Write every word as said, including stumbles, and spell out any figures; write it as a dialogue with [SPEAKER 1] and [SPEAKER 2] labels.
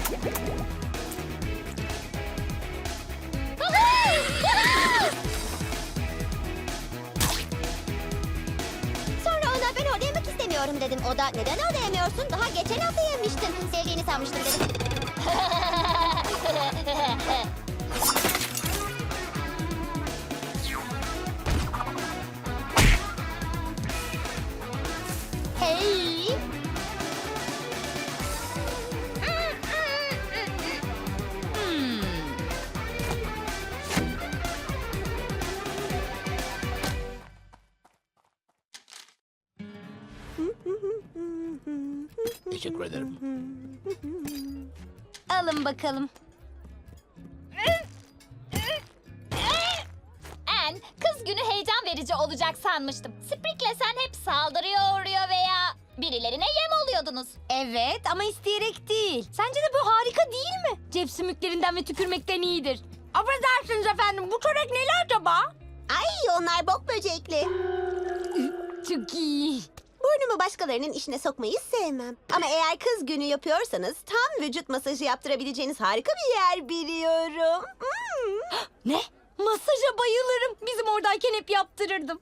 [SPEAKER 1] Sonra ona ben orada yemek istemiyorum dedim. O da neden orada yemiyorsun? Daha geçen hafta yemiştin. Sevdiğini sanmıştım dedim. Hey!
[SPEAKER 2] Teşekkür ederim.
[SPEAKER 3] Alın bakalım.
[SPEAKER 4] En, kız günü heyecan verici olacak sanmıştım. Sprig'le sen hep saldırıya uğruyor veya birilerine yem oluyordunuz.
[SPEAKER 3] Evet ama isteyerek değil. Sence de bu harika değil mi? Cep sümüklerinden ve tükürmekten iyidir. Affedersiniz efendim, bu çörek neli acaba?
[SPEAKER 1] Ay onlar bok böcekli.
[SPEAKER 3] Çok iyi.
[SPEAKER 1] Burnumu başkalarının işine sokmayı sevmem. Ama eğer kız günü yapıyorsanız tam vücut masajı yaptırabileceğiniz harika bir yer biliyorum. Hmm.
[SPEAKER 3] Ne? Masaja bayılırım. Bizim oradayken hep yaptırırdım.